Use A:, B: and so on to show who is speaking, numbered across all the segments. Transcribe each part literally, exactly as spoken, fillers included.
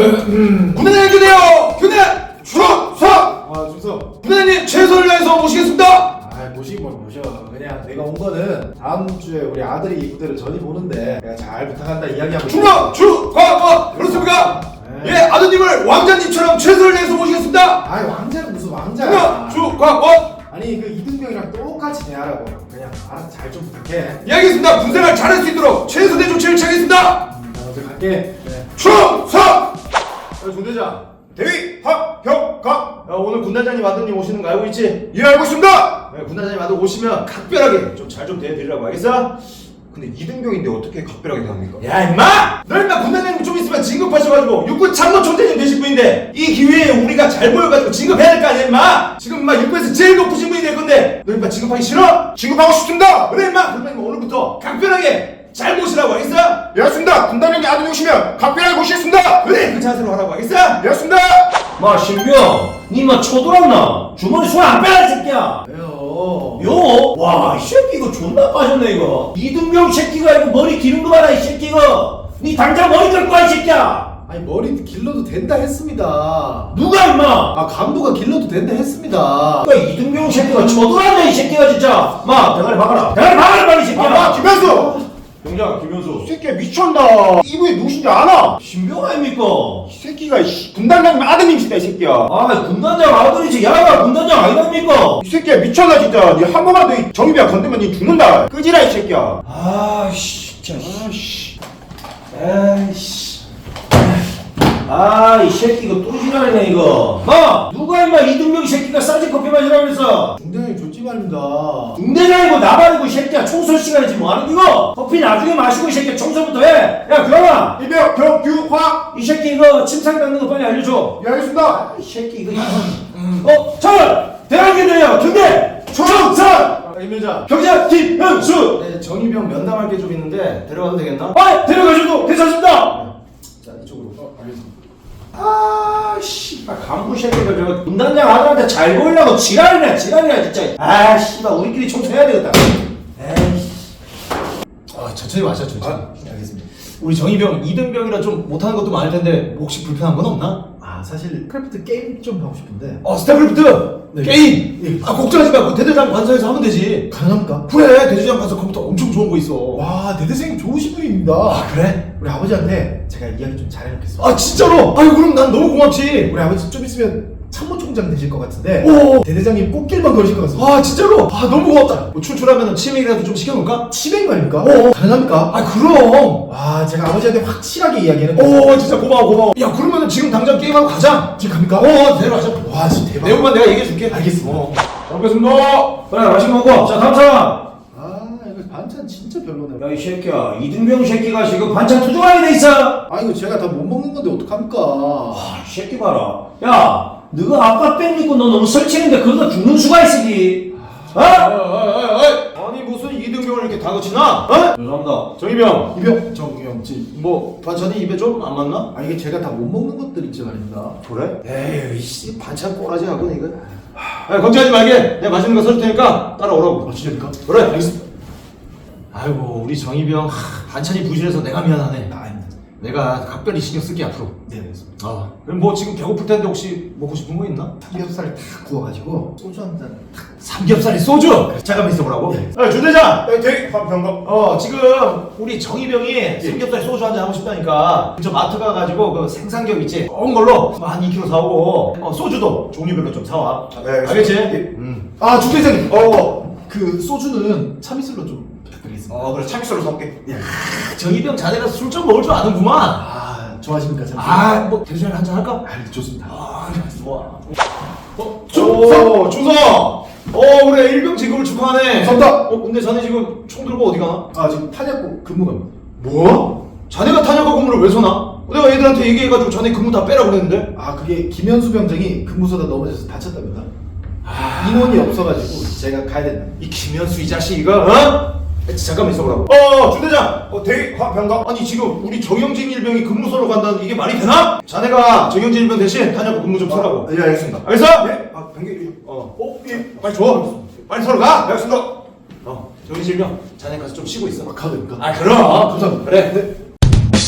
A: 군대장님 교대요! 교대! 충성!
B: 아 준서.
A: 군대장님 최선을 다해서 모시겠습니다!
B: 아 모시긴 뭘 모셔. 그냥 내가 온 거는 다음 주에 우리 아들이 부대를 전입 오는데 내가 잘 부탁한다 이야기하고.
A: 충성! 주광광! 그렇습니까?
B: 네.
A: 예, 아드님을 왕자님처럼 최선을 다해서 모시겠습니다!
B: 아이 왕자는 무슨 왕자야.
A: 충성! 주광광!
B: 아니 그 이등병이랑 똑같이 대하라고. 그냥 알아서 잘 좀 부탁해.
A: 예, 알겠습니다. 군생활 잘할 수 있도록 최선의 조치를 취하겠습니다!
B: 나 먼저 갈게. 네.
A: 충성!
C: 야, 중대장, 대위 박형강. 야, 오늘 군단장님 아드님 오시는 거 알고 있지?
A: 예, 알고 있습니다!
C: 네, 군단장님 아들 오시면 각별하게 좀 잘 좀 대해드리라고 알겠어? 근데 이등병인데 어떻게 각별하게 대합니까?
A: 야, 임마! 너 임마 군단장님 좀 있으면 진급하셔가지고 육군 참모총장님 되실 분인데 이 기회에 우리가 잘 보여가지고 진급해야 될 거 아니야, 임마! 지금 임마 육군에서 제일 높으신 분이 될 건데 너 임마 진급하기 싫어?
C: 진급하고 싶습니다!
A: 그래, 임마! 그러면 임마 오늘부터 각별하게 잘 모시라고 알겠어?
C: 예, 알겠습니다! 군단장님 아들 오시면 각별하게 모시겠습니다!
A: 그래, 그 자세로 하라고 알겠어?
C: 예, 알겠습니다!
D: 마 신병 니마 초돌았나? 주머니 손 안 빼라 이 새끼야.
B: 왜요?
D: 요? 와 이 새끼 이거 존나 빠졌네 이거. 이등병 새끼가 이거 머리 기른 거 봐라 이 새끼 이거. 니 당장 머리 깎고 와 이 새끼야.
B: 아니 머리 길러도 된다 했습니다.
D: 누가 임마?
B: 아 간부가 길러도 된다 했습니다.
D: 그러니까 이등병 새끼가 초돌았네 이 새끼가 진짜. 마 대가리 박아라. 대가리 박아라 빨리 이 새끼야.
C: 아, 김현수! 병장, 김현수. 이 새끼야 미쳤나? 이분이 누구신지 아나?
D: 신병 아닙니까?
C: 이 새끼가 씨, 군단장님 아드님이시다, 이 새끼야.
D: 아 군단장 아들이지. 야가 군단장 아니랍니까?
C: 이 새끼야 미쳤나, 진짜. 니 한 번만 더 정입이야 건드면 니 죽는다. 끄지라, 이 새끼야.
D: 아씨 진짜. 아씨. 아이씨. 아, 이 새끼 이거 또 지랄이네 이거. 마! 누가 임마 이등병 새끼가 싸지 커피 마시라고 그랬어?
B: 중대장님 좋지 말입니다.
D: 중대장이고 나발이고 이 새끼야 청소 시간이지 뭐하는 이거? 커피 나중에 마시고 이 새끼야 청소부터 해. 야 그러나
C: 일병 병규화.
D: 이 새끼 이거 침상 닦는 거 빨리 알려줘.
C: 예, 알겠습니다.
D: 아, 이 새끼 이거. 어, 전 대학교대요 경대 총선
B: 아, 임현장.
D: 경장 김현수.
B: 네 정의병 면담할 게 좀 있는데 데려가도 되겠나?
D: 아, 데려가셔도 괜찮습니다.
B: 자 이쪽으로. 어, 알겠습니다.
D: 아, 씨발 간부 새끼가 저거 군단장 아들한테 잘 보이려고 지랄이네 지랄이야 진짜. 아, 씨발 우리끼리 청소해야 되겠다. 에이씨.
B: 아 천천히 마셔 천천히. 아, 네, 알겠습니다. 우리 정의병 이등병이라 좀 못하는 것도 많을 텐데 뭐 혹시 불편한 건 없나? 아 사실 크래프트 게임 좀 하고 싶은데.
A: 어, 스타크래프트!
B: 네.
A: 게임!
B: 네.
A: 아, 걱정하지 말고 대대장 관서에서 하면 되지.
B: 가능합니까?
A: 그래, 대대장 관서 컴퓨터 엄청 좋은 거 있어.
B: 와 대대생님 좋으신 분입니다.
A: 아, 그래?
B: 우리 아버지한테 제가 이야기 좀 잘해놓겠습니다.
A: 아, 진짜로? 아유, 그럼 난 너무 고맙지.
B: 우리 아버지 좀 있으면 참모총장 되실 것 같은데.
A: 오.
B: 대대장님 꽃길만 걸으실 것 같습니다.
A: 아, 진짜로? 아, 너무 고맙다. 뭐 출출하면 치맥이라도 좀 시켜놓을까?
B: 치맥 말입니까?
A: 어.
B: 가능합니까?
A: 아, 그럼.
B: 와 제가 아버지한테 확실하게 이야기해놓겠습니다.
A: 오, 진짜 고마워, 고마워. 야, 그러면은 지금 당장 게임하고 가자.
B: 지금 갑니까?
A: 어, 내려가자.
B: 와 진짜 대박.
A: 내용만 내가 얘기해줄게.
B: 알겠습니다.
A: 어. 잘 먹겠습니다.
D: 그래 맛있게 먹고. 자 다음 사람.
B: 아 이거 반찬 진짜 별로네.
D: 야 이 새끼야 이등병 새끼가 지금 반찬 투정하게 돼 있어.
B: 아 이거 제가 다 못 먹는 건데 어떡합니까?
D: 아, 이 새끼 봐라. 야, 너가 아빠 뺑 믿고 너 너무 설치는데 그러다 죽는 수가 있으기. 어?
C: 아니 무슨 이등병을 이렇게 다그치나? 어?
D: 죄송합니다.
C: 정의병.
B: 이병 정경 지.
C: 뭐 반찬이 입에 좀 안 맞나?
B: 아 이게 제가 다 못 먹는 것들 있지 말입니다.
C: 그래? 에이 씨 반찬 꼬라지 하고 이거. 야 걱정하지 말게. 내가 맛있는 거 썰 테니까 따라오라고.
B: 아 진짜입니까?
C: 그래 알겠습니다. 아이고 우리 정의병 하, 반찬이 부실해서 내가 미안하네.
B: 아 아닙니다.
C: 내가 각별히 신경 쓸게 앞으로.
B: 네 알겠습니다.
C: 아 그럼 뭐 지금 배고플 텐데 혹시 먹고 싶은 거 있나?
B: 삼겹살 다 구워가지고 소주 한 잔.
C: 삼겹살이 소주. 잠깐만 있어보라고.
B: 네.
C: 아 주대장. 대 화평감.
A: 어, 지금 우리 정의병이 삼겹살 소주 한잔 하고 싶다니까 저 마트 가가지고 그 생삼겹 있지? 좋은 걸로 한 이 킬로그램 사오고 어, 소주도 종류별로 좀 사와.
C: 네,
A: 알겠지?
C: 음.
B: 아 주대장님. 어그 소주는 참이슬로 좀 부탁드리겠습니다.
C: 어 그래 참기술로 사올게.
A: 정의병 자네가 술 좀 먹을 줄 아는구만.
B: 아 좋아하십니까 참이슬?
A: 아, 뭐 대전에 한잔 할까?
B: 아 좋습니다.
A: 아, 좋아. 어,
C: 충성!
A: 오, 충성! 어, 우리 일병 진급을 축하하네.
B: 감사합니다.
A: 어, 근데 자네 지금 총 들고 어디 가나?
B: 아 지금 탄약고 근무 갑니다.
A: 뭐? 자네가 탄약과 근무를 왜 서나? 어, 내가 애들한테 얘기해가지고 자네 근무 다 빼라 그랬는데.
B: 아 그게 김현수 병장이 근무소다 넘어져서 다쳤답니다. 인원이 없어가지고 제가 가야 된다.
A: 이 김현수 이 자식 이거, 어? 잠깐만 있어보라고. 어, 주대장. 어, 대위 화병감. 아니 지금 우리 정영진 일병이 근무소로 간다는 이게 말이 되나? 자네가 정영진 일병 대신 탄약과 근무 좀 서라고.
C: 예 알겠습니다.
A: 알겠어?
C: 네. 아 병기.
A: 어, 어, 예. 빨리 줘. 빨리 서로 가. 알겠습니다. 어, 정영진 일병. 자네 가서 좀 쉬고 있어.
B: 아, 가도 됩니까?
A: 아, 그럼.
B: 감사합니다.
A: 그래.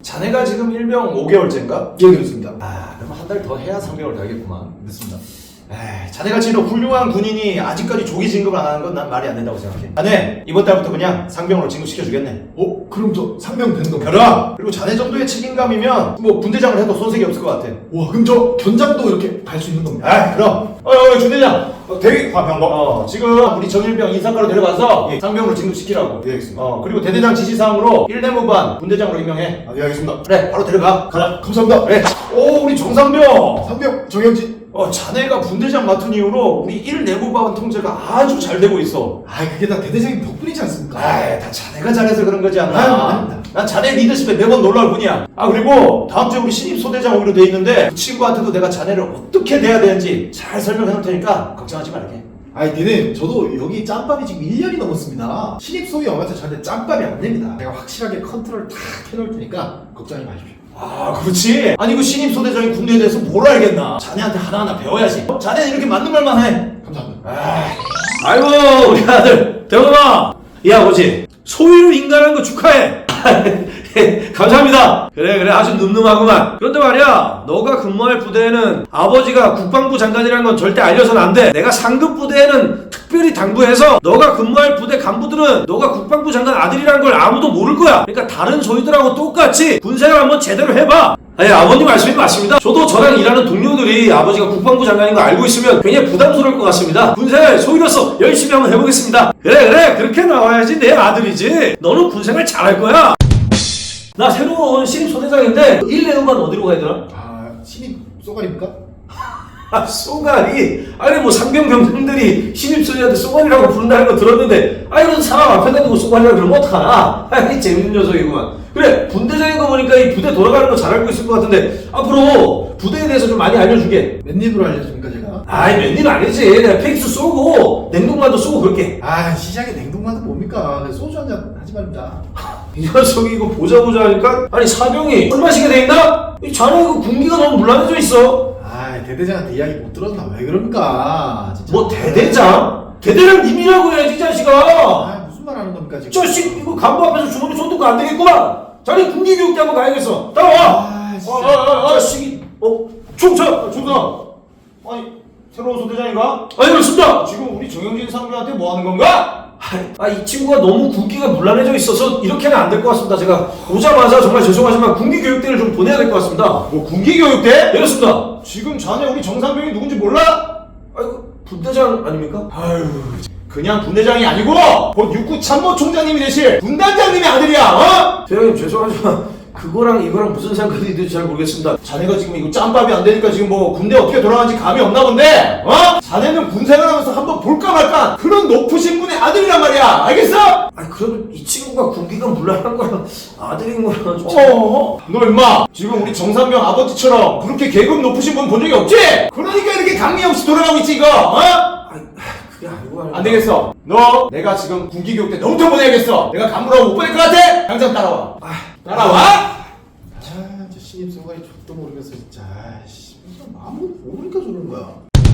A: 자네가 지금 일병 오 개월째인가?
B: 예, 그렇습니다.
A: 아, 그럼 한 달 더 해야 삼 개월 되겠구만.
B: 맞습니다.
A: 에이, 자네같이 이런 훌륭한 군인이 아직까지 조기 진급을 안 하는 건 난 말이 안 된다고 생각해. 자네 이번 달부터 그냥 상병으로 진급시켜주겠네.
B: 어? 그럼 저 상병 되는 건가요?
A: 그럼! 그리고 자네 정도의 책임감이면 뭐 분대장을 해도 손색이 없을 것 같아.
B: 와, 그럼 저 견장도 이렇게 갈 수 있는 겁니다.
A: 아, 그럼. 어, 어, 준대장. 어, 대위 화병거. 어, 지금 우리 정일병 인사과로 데려가서
C: 예.
A: 상병으로 진급시키라고.
C: 예, 알겠습니다.
A: 어, 그리고 대대장 지시사항으로 일 내무반 분대장으로 임명해.
C: 아, 예, 알겠습니다.
A: 그래, 바로 데려가.
B: 가자. 감사합니다.
A: 그래. 오, 우리 정상병.
B: 상병 정영진.
A: 어, 자네가 분대장 맡은 이후로 우리 일 내무반 통제가 아주 잘 되고 있어.
B: 아, 그게 다 대대장님 덕분이지 않습니까?
A: 아이, 다 자네가 잘해서 그런 거지 않나?
B: 아유, 아닙니다.
A: 난 자네 리더십에 매번 놀라울 뿐이야. 아, 그리고 다음 주에 우리 신입 소대장 오기로 돼 있는데 그 친구한테도 내가 자네를 어떻게 대해야 되는지 잘 설명해 놓을 테니까 걱정하지 말게.
B: 아니, 대대님, 저도 여기 짬밥이 지금 일 년이 넘었습니다. 신입 소위 형한테 저한테 짬밥이 안 됩니다. 제가 확실하게 컨트롤 다 해놓을 테니까 걱정하지 마십시오.
A: 아, 그렇지. 아니, 그 신입 소대장이 군대에 대해서 뭘 알겠나? 자네한테 하나하나 배워야지. 어? 자네는 이렇게 맞는 말만 해.
B: 감사합니다.
A: 아,
D: 아이고 우리 아들 대범아 이 아버지 소위를 인간한 거 축하해. 감사합니다. 그래 그래 아주 늠름하구만. 그런데 말이야 너가 근무할 부대에는 아버지가 국방부 장관이라는 건 절대 알려서는 안 돼. 내가 상급 부대에는 특별히 당부해서 너가 근무할 부대 간부들은 너가 국방부 장관 아들이라는 걸 아무도 모를 거야. 그러니까 다른 소위들하고 똑같이 군생활 한번 제대로 해봐. 아니 아버님 말씀이 맞습니다. 저도 저랑 일하는 동료들이 아버지가 국방부 장관인 거 알고 있으면 굉장히 부담스러울 것 같습니다. 군생활 소위로서 열심히 한번 해보겠습니다. 그래 그래 그렇게 나와야지 내 아들이지. 너는 군생활 잘할 거야. 나 새로운 신입 소대장인데 일 내후반 어디로 가야 되나?
B: 아, 신입 쏘가리입니까?
D: 아 쏘가리. 아니 뭐 상병 병장들이 신입 소대한테 쏘가리라고 부른다는 거 들었는데 아 이런 사람 앞에다 두고 쏘가리라 그러면 어떡하나. 아이 재밌는 녀석이구만. 그래 분대장인 거 보니까 이 부대 돌아가는 거 잘 알고 있을 것 같은데 앞으로 부대에 대해서 좀 많이 알려줄게.
B: 맨입으로 알려줍니까 제가?
D: 아이 맨일 아니지. 내가 팩스 쏘고 냉동만도 쏘고 그럴게.
B: 아, 시장에 냉동만은 뭡니까? 소주 한잔 하지 말입니다.
D: 이 녀석이 이거 보자 보자 하니까 아니 사병이 술 마시게 돼 있나? 이 자네 이거 군기가 너무 물란해져 있어.
B: 아, 대대장한테 이야기 못 들었나? 왜 그럽니까? 진짜.
D: 뭐 대대장? 대대장 님이라고 해야지 이 자식아.
B: 아, 무슨 말 하는 겁니까 지금?
D: 자식 이거 간부 앞에서 주머니 손 들고 안 되겠구만. 자네 군기 교육대 한번 가야겠어. 따라와.
B: 아, 진짜.
D: 어, 어, 어, 어, 자식이 어 충성.
A: 중사. 아니, 새로운 소대장인가?
D: 아니 그렇습니다.
A: 지금 우리 정영진 상병한테 뭐 하는 건가?
D: 아 이 친구가 너무 군기가 물란해져 있어서 이렇게는 안 될 것 같습니다. 제가 오자마자 정말 죄송하지만 군기 교육대를 좀 보내야 될 것 같습니다.
A: 뭐 군기교육대?
D: 네, 그렇습니다.
A: 지금 자네 우리 정상병이 누군지 몰라?
D: 아이고 분대장 아닙니까?
A: 아유, 그냥 분대장이 아니고 곧 육구 참모총장님이 되실 분단장님의 아들이야. 어?
D: 대장님 죄송하지만 그거랑 이거랑 무슨 상관이 있는지 잘 모르겠습니다.
A: 자네가 지금 이거 짬밥이 안 되니까 지금 뭐 군대 어떻게 돌아가는지 감이 없나 본데, 어? 자네는 군생활하면서 한번 볼까 말까 그런 높으신 분의 아들이란 말이야. 알겠어?
D: 아니 그래도 이 친구가 군기가 물란한 거랑 아들인 거랑 좀
A: 어? 너 임마 지금 우리 정상병 아버지처럼 그렇게 계급 높으신 분 본 적이 없지? 그러니까 이렇게 강리 없이 돌아가고 있지 이거. 어?
D: 아니 그게 아니고 말이야.
A: 안 되겠어. 너 내가 지금 군기교육 때 너부터 보내야겠어. 내가 간부라고 못 보낼 것 같아? 당장 따라와.
D: 아,
A: 따라와.
B: 아, 저 신입 쏘가리 족도 모르겠어 진짜. 아이씨, 아무도 모르니까 저런 거야.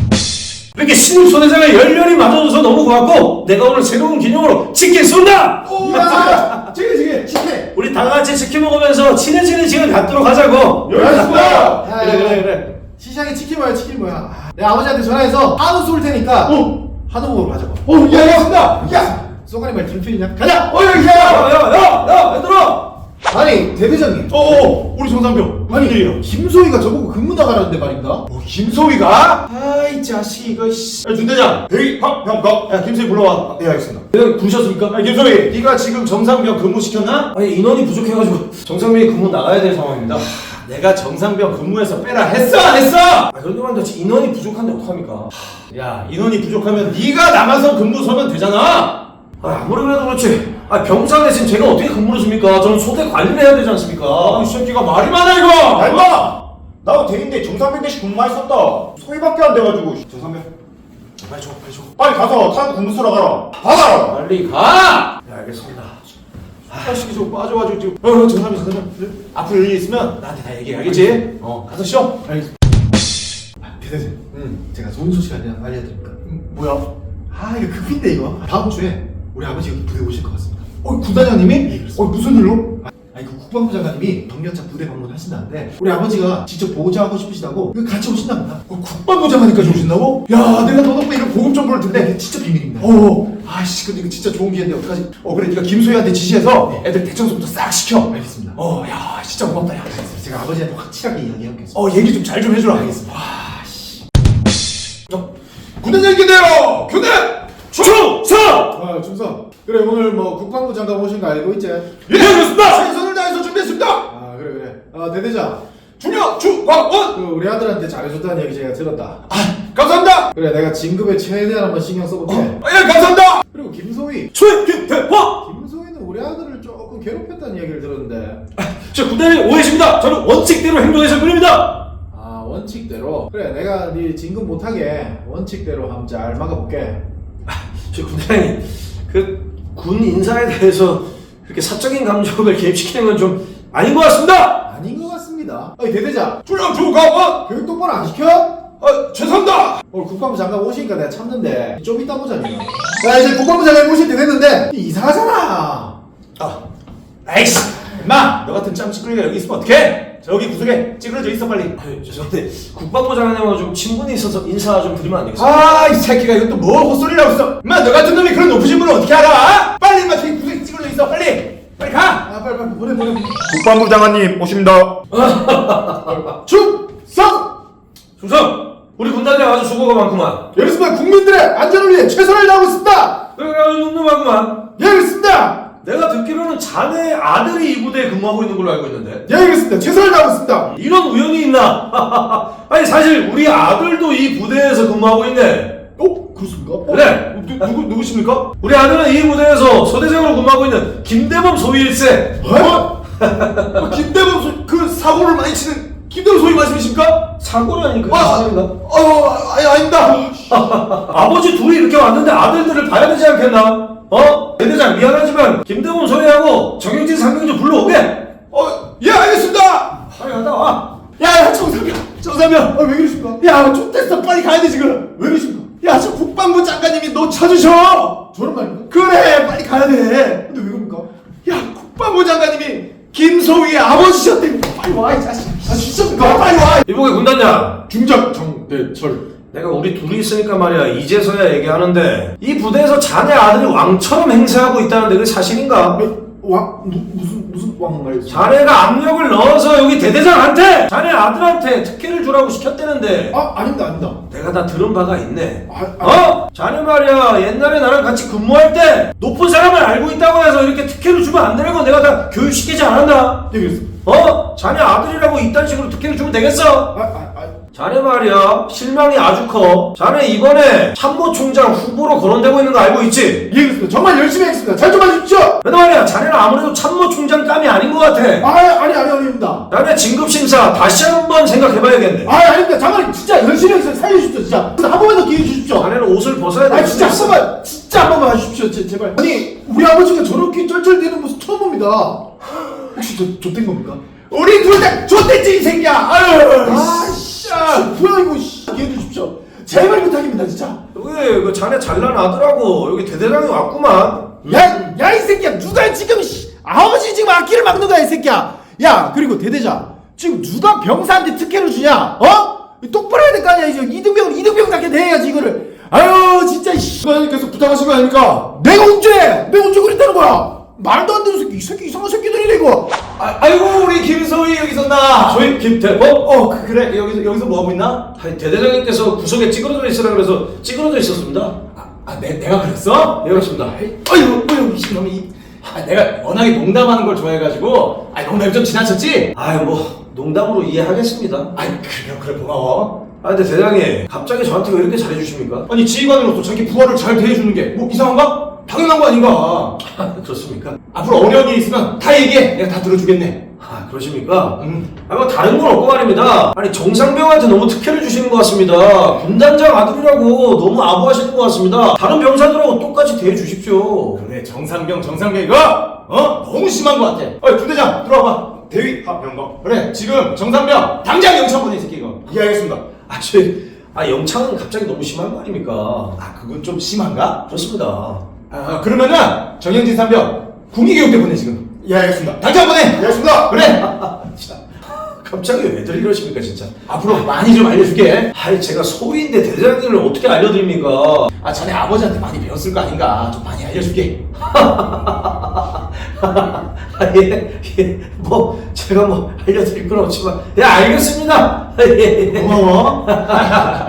D: 이렇게 신입 소대장을 열렬히 맞아줘서 너무 고맙고 내가 오늘 새로운 기념으로 치킨 쏜다!
B: 오, 야, 지금 지금 치킨.
D: 우리 다 같이 치킨 먹으면서 친해지는 시간 갖도록 하자고.
A: 알겠습니다.
B: 그래 그래 그래. 시장에 치킨 뭐야 치킨 뭐야. 아, 내가 아버지한테 전화해서 한우 쏠 테니까
A: 어.
B: 한우 먹으러 가자고.
A: 어, 야, 알겠습니다. 야.
B: 쏘가리 말 들필이냐? 가자.
A: 어, 야, 야.
D: 야야야 얘들아!
B: 아니 대대장님.
A: 어, 어, 우리 정상병. 무슨 일이에요?
B: 김소희가 저보고 근무 나가라는데 말입니다.
A: 어, 김소희가? 아이 자식 이거 씨. 야, 준대장. 대위 확병거. 야, 김소희 불러와. 예, 알겠습니다.
D: 대장님 부르셨습니까?
A: 야, 김소희. 네가 지금 정상병 근무 시켰나?
D: 아니 인원이 부족해가지고 정상민이 근무 나가야 될 상황입니다.
A: 내가 정상병 근무해서 빼라 했어 안 했어?
D: 아 그런데 말인데 인원이 부족한데 어떡합니까?
A: 야, 인원이 부족하면 네가 나가서 근무 서면 되잖아.
D: 아 아무리 그래도 그렇지. 아 병사 대신 제가 어떻게 근무를 줍니까? 저는 소대 관리를 해야 되지 않습니까?
A: 아, 이 새끼가 말이 많아 이거. 알마. 나도 대인데 정상병 대신 근무만 했었다. 소위밖에 안 돼가지고. 정상병. 빨리 줘, 빨리 줘. 빨리 가서 타고 근무 서러 가라. 받아.
D: 빨리 가! 네 알겠습니다.
A: 자식이 좀 빠져가지고 지금. 어, 정상병, 정상병. 앞으로 일 있으면 나한테 다 얘기해, 알겠지? 어, 가서 쉬어.
B: 알겠습니다. 아, 대대장.
A: 응.
B: 제가 좋은 소식 하나 알려드릴까?
A: 음, 뭐야?
B: 아 이거 급인데 이거. 다음 주에 우리 아버지 여기 부대 오실 것 같습니다.
A: 어, 군단장님이?
B: 예, 그렇습니다.
A: 어, 무슨 일로?
B: 아, 아니 그 국방부 장관님이 병력차 부대 방문하신다는데 우리 아버지가 직접 보좌하고 싶으시다고 그 같이 오신답니다.
A: 어, 국방부 장관님까지 오신다고? 야, 내가 너 덕분에 이런 고급 정보를 듣네.
B: 근데 진짜 비밀입니다.
A: 어, 아씨, 근데 이거 진짜 좋은 기회인데 어떡하지? 어, 그래, 네가 김소희한테 지시해서 애들 대청소부터 싹 시켜.
B: 알겠습니다.
A: 어, 야, 진짜 고맙다, 야.
B: 제가 아버지한테 확실하게 이야기해보겠습니다.
A: 어, 얘기 좀 잘 좀 해주라.
B: 알겠습니다.
A: 와, 씨. 어, 군대 얘기인데요. 교대 충성.
B: 아 충성. 그래 오늘 뭐 국방부 장관 오신 거 알고 있지?
A: 예, 그렇습니다. 최선을 다해서 준비했습니다.
B: 아 그래 그래. 아 대대장.
A: 중요 주광원.
B: 그 우리 아들한테 잘해줬다는 얘기 제가 들었다.
A: 아, 감사합니다.
B: 그래 내가 진급에 최대한 한번 신경 써볼게.
A: 어, 예, 감사합니다.
B: 그리고 김소희.
A: 소희 김대화.
B: 김소희는 우리 아들을 조금 괴롭혔다는 얘기를 들었는데.
D: 저 군대는 오해십니다. 저는 원칙대로 행동해서 뿐입니다.
B: 아 원칙대로. 그래 내가 네 진급 못하게 원칙대로 한번 잘 막아볼게.
D: 저 군대장님, 그 군 인사에 대해서 그렇게 사적인 감정을 개입시키는 건 좀 아닌 것 같습니다.
B: 아닌 것 같습니다. 어이 대대장.
A: 중요 주광원.
B: 교육 똑바로 안 시켜?
A: 아, 죄송합니다.
B: 오늘 국방부 장관 오시니까 내가 참는데 좀 이따 보자 니가. 야 이제 국방부 장관 오실 때 됐는데 이상하잖아.
A: 아, 아이씨, 임마, 너 같은 짬찌끄리가 여기 있으면 어떡해? 저기 구석에 찌그러져 있어 빨리.
D: 아유, 죄송한데 국방부 장관님하고 좀 친분이 있어서 인사 좀 드리면 안 되겠습니까?
A: 아, 이 새끼가 이것도 뭐 헛소리를 하고 있어. 임마, 너 같은 놈이 그런 높으신 분을 어떻게 알아? 빨리 임마, 저기 구석에 찌그러져 있어 빨리. 빨리 가.
B: 아 빨리 빨리 보내 보내.
A: 국방부 장관님 오십니다.
B: 충성.
D: 충성! 우리 군단장 아주 수고가 많구만.
B: 예 그렇습니다. 국민들의 안전을 위해 최선을 다하고 있습니다.
D: 내가 아주 늠름하구만.
B: 예 그렇습니다.
D: 내가 듣기로는 자네 아들이 이 부대에 근무하고 있는 걸로 알고 있는데
B: 예 그렇습니다. 최선을 다하고 있습니다.
D: 이런 우연이 있나? 아니 사실 우리 아들도 이 부대에서 근무하고 있네.
B: 어 그렇습니까? 어?
D: 그래.
A: 누, 누구 누구십니까?
D: 우리 아들은 이 부대에서 소대장으로 근무하고 있는 김대범 소위일세.
A: 어? 어, 김대범 소, 그 사고를 많이 치는 김대범 소위 말씀이십니까?
D: 사고라니 그게
A: 아,
D: 사실인가?
A: 어, 아니 아닙니다.
D: 아버지 둘이 이렇게 왔는데 아들들을 봐야 되지 않겠나? 어? 대대장 미안하지만 김대범 소위하고 정영진 상병 좀 불러오게.
A: 어, 예 알겠습니다.
D: 빨리 갔다 와.
A: 야, 야, 정상병, 정상병.
B: 아왜 그러십니까?
A: 야, 좆됐어. 빨리 가야 돼 지금.
B: 왜 그러십니까?
A: 야, 저 국방부 장관님이 너 찾으셔.
B: 저런 말입니까?
A: 그래, 빨리 가야 돼.
B: 근데 왜 그럽니까?
A: 야, 국방부 장관님이 김소희의 아버지셨대. 빨리 와, 이 자식.
B: 아 진짜
A: 너 빨리 와.
D: 이보게 군단장.
B: 중장 정대철.
D: 내가 우리 둘이 있으니까 말이야 이제서야 얘기하는데 이 부대에서 자네 아들이 왕처럼 행세하고 있다는데 그게 사실인가?
B: 왕 무, 무슨 무슨 왕 말이지?
D: 자네가 압력을 넣어서 여기 대대장한테 자네 아들한테 특혜를 주라고 시켰다는데
B: 아 아닙니다 아닙니다.
D: 내가 다 들은 바가 있네.
B: 아, 아,
D: 어? 자네 말이야 옛날에 나랑 같이 근무할 때 높은 사람을 알고 있다고 해서 이렇게 특혜를 주면 안 되는 거 내가 다 교육시키지 않았나?
B: 예 그랬습니다.
D: 어? 자네 아들이라고 이딴 식으로 특혜를 주면 되겠어?
B: 아, 아, 아,
D: 자네 말이야 실망이 아주 커. 자네 이번에 참모총장 후보로 거론되고 있는 거 알고 있지?
B: 예 그렇습니다. 정말 열심히 하겠습니다. 잘 좀 해주십시오.
D: 근데 말이야 자네는 아무래도 참모총장 감이 아닌 것 같아.
B: 아 아니 아니 아닙니다.
D: 자네 진급심사 다시 한번 생각해봐야겠네.
B: 아 아닙니다. 장관님 진짜 열심히 해서 살려주십시오 진짜. 한 번만 더 기회 주십시오.
D: 자네는 옷을 벗어야 돼.
B: 아 진짜 한 번만 진짜 한 번만 해주십시오 제, 제발. 아니 우리 아버지가 저렇게 쩔쩔대는 모습 처음 봅니다. 혹시 저 좆된 겁니까?
A: 우리 둘 다 좆됐지 이 새끼야. 아유.
B: 아씨 뭐야 이거 씨. 기회 주십시오. 제발 부탁입니다 진짜.
D: 여기 그 자네 잘난 아들하고 여기 대대장이 왔구만.
B: 야, 야, 이 새끼야, 누가 지금, 씨, 아버지 지금 악기를 막는 거야, 이 새끼야. 야, 그리고 대대장, 지금 누가 병사한테 특혜를 주냐, 어? 똑바로 해야 될 거 아니야, 이제 이등병은 이등병답게 대해야지, 이거를. 아유, 진짜, 씨.
A: 국장님께서 부탁하신 거 아닙니까?
B: 내가 언제, 내가 언제 그랬다는 거야? 말도 안 되는 새끼, 이 새끼 이상한 새끼들이네, 이거.
A: 아, 아이고 우리 김소희 여기 있었나?
D: 저희 김대범?
A: 어, 그, 그래 여기서 여기서 뭐 하고 있나?
D: 아니, 대대장님께서 구석에 찌그러져 있으라 그래서 찌그러져 있었습니다.
A: 아, 아 내, 내가 그랬어?
D: 예, 그렇습니다.
A: 어이구, 어이구, 이놈이. 이- 아, 내가 워낙에 농담하는 걸 좋아해가지고, 아, 농담이 좀 지나쳤지?
D: 아유, 뭐, 농담으로 이해하겠습니다.
A: 아이, 그래, 그래, 고마워.
D: 아, 근데 대장님, 갑자기 저한테 왜 이렇게 잘해주십니까?
A: 아니, 지휘관으로서 자기 부하를 잘 대해주는 게 뭐 이상한가? 당연한 거 아닌가?
D: 그렇습니까?
A: 앞으로 어려운 일 있으면 다 얘기해. 내가 다 들어주겠네.
D: 아, 그러십니까?
A: 음.
D: 아, 뭐, 다른 건 없고 말입니다. 아니, 정상병한테 너무 특혜를 주시는 것 같습니다. 군단장 아들이라고 너무 아부하시는 것 같습니다. 다른 병사들하고 똑같이 대해주십시오.
A: 그래, 정상병, 정상병, 이거! 어? 너무 심한 거 같아. 어이, 부대장, 들어와봐. 대위, 아, 병거. 그래, 지금 정상병, 당장 영창 보내, 이 새끼, 이거. 이해하겠습니다.
D: 아, 저, 아, 영창은 갑자기 너무 심한 거 아닙니까?
A: 아, 그건 좀 심한가?
D: 그렇습니다.
A: 아, 그러면은, 정영진 상병, 국리교육대 보내, 지금.
B: 예 알겠습니다.
A: 당장 보내.
B: 예 알겠습니다.
A: 그래.
D: 갑자기 왜들 이러십니까 진짜.
A: 앞으로 많이 좀 알려줄게.
D: 아이 제가 소위인데 대장님을 어떻게 알려드립니까?
A: 아 자네 아버지한테 많이 배웠을 거 아닌가. 좀 많이 알려줄게.
D: 아, 예, 예, 뭐 제가 뭐 알려드릴 건 없지만 예 알겠습니다. 예.
A: 고마워.